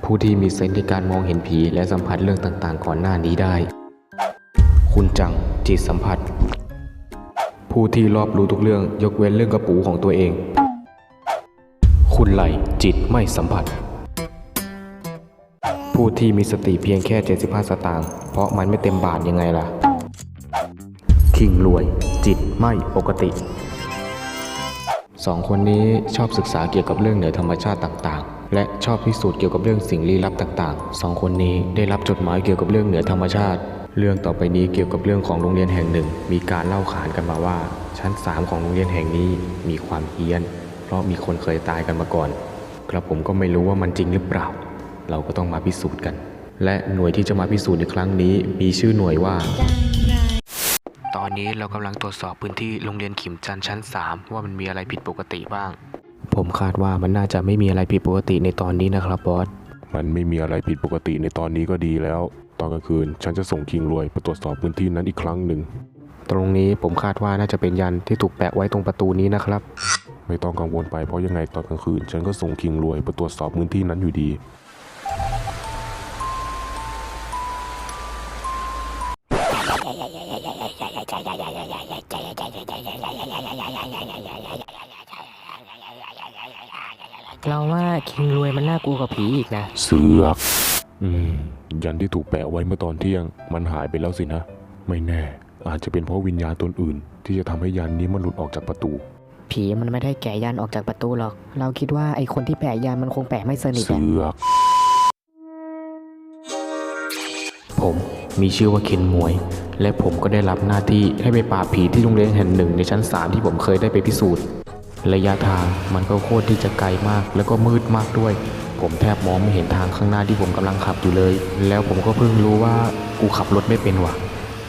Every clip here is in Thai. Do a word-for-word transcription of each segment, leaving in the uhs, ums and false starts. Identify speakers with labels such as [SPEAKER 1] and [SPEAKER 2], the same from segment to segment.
[SPEAKER 1] ผู้ที่มีเซนส์ในการมองเห็นผีและสัมผัสเรื่องต่างๆก่อนหน้านี้ได้คุณจังจิตสัมผัสผู้ที่รอบรู้ทุกเรื่องยกเว้นเรื่องกระปูของตัวเองคุณไหลจิตไม่สัมผัสผู้ที่มีสติเพียงแค่เจ็ดสิบห้าสตางค์เพราะมันไม่เต็มบาทยังไงล่ะคิงรวยจิตไม่ปกติสองคนนี้ชอบศึกษาเกี่ยวกับเรื่องเหนือธรรมชาติต่างๆและชอบพิสูจน์เกี่ยวกับเรื่องสิ่งลี้ลับต่างๆสองคนนี้ได้รับจดหมายเกี่ยวกับเรื่องเหนือธรรมชาติเรื่องต่อไปนี้เกี่ยวกับเรื่องของโรงเรียนแห่งหนึ่งมีการเล่าขานกันมาว่าชั้นสามของโรงเรียนแห่งนี้มีความเฮี้ยนเพราะมีคนเคยตายกันมาก่อนกระผมก็ไม่รู้ว่ามันจริงหรือเปล่าเราก็ต้องมาพิสูจน์กันและหน่วยที่จะมาพิสูจน์ในครั้งนี้มีชื่อหน่วยว่าตอนนี้เรากำลังตรวจสอบพื้นที่โรงเรียนขิมจันทร์ชั้นสามว่ามันมีอะไรผิดปกติบ้างผมคาดว่ามันน่าจะไม่มีอะไรผิดปกติในตอนนี้นะครับบอส
[SPEAKER 2] มันไม่มีอะไรผิดปกติในตอนนี้ก็ดีแล้วตอนกลางคืนฉันจะส่งคิงรวยไปตรวจสอบพื้นที่นั้นอีกครั้งหนึ่ง
[SPEAKER 1] ตรงนี้ผมคาดว่าน่าจะเป็นยันที่ถูกแปะไว้ตรงประตูนี้นะครับ
[SPEAKER 2] ไม่ต้องกังวลไปเพราะยังไงตอนกลางคืนฉันก็ส่งคิงรวยไปตรวจสอบพื้นที่นั้นอยู่ดี
[SPEAKER 3] เราว่าคิงรวยมันน่ากลัวกว่าผีอีกนะ
[SPEAKER 2] เสือกอืมยันที่ถูกแปะไว้เมื่อตอนเที่ยงมันหายไปแล้วสินะไม่แน่อาจจะเป็นเพราะวิญญาณตนอื่นที่จะทำให้ยันนี้มันหลุดออกจากประตู
[SPEAKER 3] ผีมันไม่ได้แกะยันออกจากประตูหรอกเราคิดว่าไอคนที่แปะยันมันคงแปะไม่สนิท
[SPEAKER 2] เสือก
[SPEAKER 1] ผมมีชื่อว่าเคนมวยและผมก็ได้รับหน้าที่ให้ไปปราบผีที่โรงเรียนแห่งหนึ่งในชั้นสามที่ผมเคยได้ไปพิสูจน์ระยะทางมันก็โคตรที่จะไกลมากแล้วก็มืดมากด้วยผมแทบมองไม่เห็นทางข้างหน้าที่ผมกำลังขับอยู่เลยแล้วผมก็เพิ่งรู้ว่ากูขับรถไม่เป็นว่ะ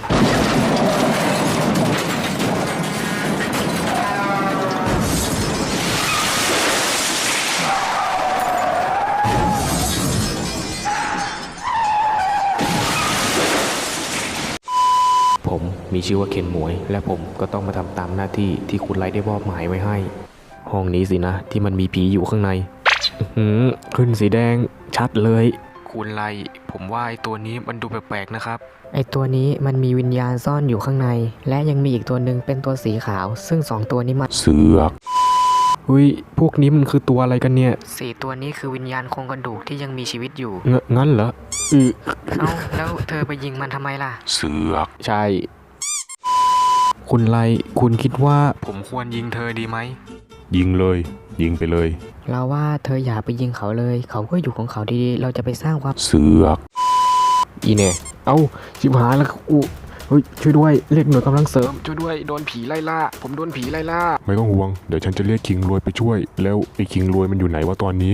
[SPEAKER 1] ผมมีชื่อว่าเคนหมวยและผมก็ต้องมาทำตามหน้าที่ที่คุณไลท์ได้มอบหมายไว้ให้ห้องนี้สินะที่มันมีผีอยู่ข้างในขึ้นสีแดงชัดเลยคุณไลท์ผมว่าไอตัวนี้มันดูแปลกๆนะครับ
[SPEAKER 3] ไอตัวนี้มันมีวิญญาณซ่อนอยู่ข้างในและยังมีอีกตัวหนึ่งเป็นตัวสีขาวซึ่งสองตัวนี้มัน
[SPEAKER 2] เสือก
[SPEAKER 1] เฮ้ยพวกนี้มันคือตัวอะไรกันเนี่ย
[SPEAKER 3] สี่ตัวนี้คือวิญญาณโครงกระดูกที่ยังมีชีวิตอยู่
[SPEAKER 1] งงั้นเหรออือ
[SPEAKER 3] เอ้าแล้วเธอไปยิงมันทำไมล่ะ
[SPEAKER 2] เสือก
[SPEAKER 1] ใช่คุณไลคุณคิดว่าผมควรยิงเธอดีไหม
[SPEAKER 2] ยิงเลยยิงไปเลย
[SPEAKER 3] เราว่าเธออย่าไปยิงเขาเลยเขาก็อยู่ของเขาดีๆเราจะไปสร้างความ
[SPEAKER 2] เสือก
[SPEAKER 1] อีเน่เอ้าชิบหายแล้วกูเฮ้ยช่วยด้วยเรียกหน่วยกำลังเสริมช่วยด้วยโดนผีไล่ล่าผมโดนผีไล่ล่า
[SPEAKER 2] ไม่ต้องห่วงเดี๋ยวฉันจะเรียกคิงรวยไปช่วยแล้วไอ้คิงรวยมันอยู่ไหนวะตอนนี้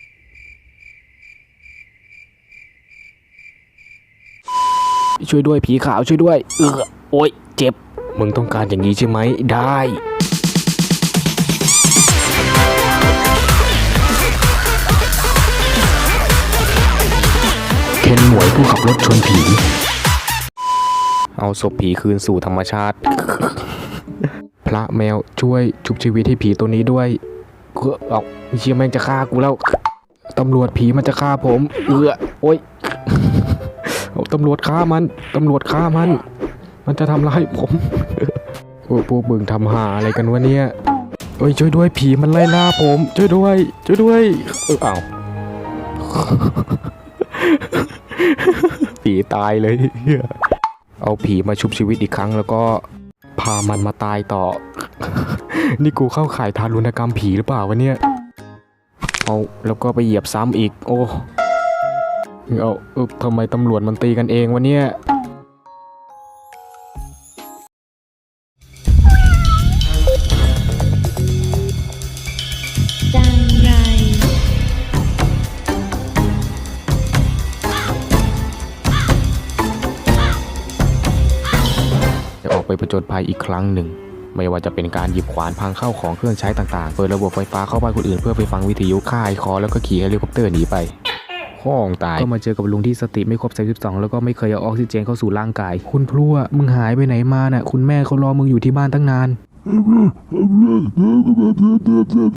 [SPEAKER 1] ช่วยด้วยผีขาวช่วยด้วยเออโอ๊ยเจ็บมึงต้องการอย่างนี้ใช่ไหมได้เคนหมวยผู้ขับรถชนผีเอาศพผีคืนสู่ธรรมชาติพระแมวช่วยชุบชีวิตให้ผีตัวนี้ด้วยเออเอาเชี่ยแม่งจะฆ่ากูแล้วตำรวจผีมันจะฆ่าผมเออโอ๊ยตำรวจฆ่ามันตำรวจฆ่ามันมันจะทำร้ายผมพวกพวกมึงทำหาอะไรกันวะเนี่ยเอ้ยช่วยด้วยผีมันไล่ล่าผมช่วยด้วยช่วยด้วยเออเอาผีตายเลยเอาผีมาชุบชีวิตอีกครั้งแล้วก็พามันมาตายต่อนี่กูเข้าข่ายทารุณกรรมผีหรือเปล่าวะเนี่ยเอาแล้วก็ไปเหยียบซ้ำอีกโอ้เอาเออทำไมตำรวจมันตีกันเองวะเนี่ย
[SPEAKER 4] จังไร
[SPEAKER 1] จะออกไปผจญภัยอีกครั้งหนึ่งไม่ว่าจะเป็นการหยิบขวานพังเข้าของเครื่องใช้ต่างๆเปิดระบบไฟฟ้าเข้าบ้านคนอื่นเพื่อไปฟังวิทยุค่ายคอแล้วก็ขี่เฮลิคอปเตอร์หนีไปห้องตายก็มาเจอกับลุงที่สติไม่ครบสามสิบสองแล้วก็ไม่เคยเอาออกซิเจนเข้าสู่ร่างกายคุณพลั่วมึงหายไปไหนมาน่ะคุณแม่เขารอมึงอยู่ที่บ้านตั้งนาน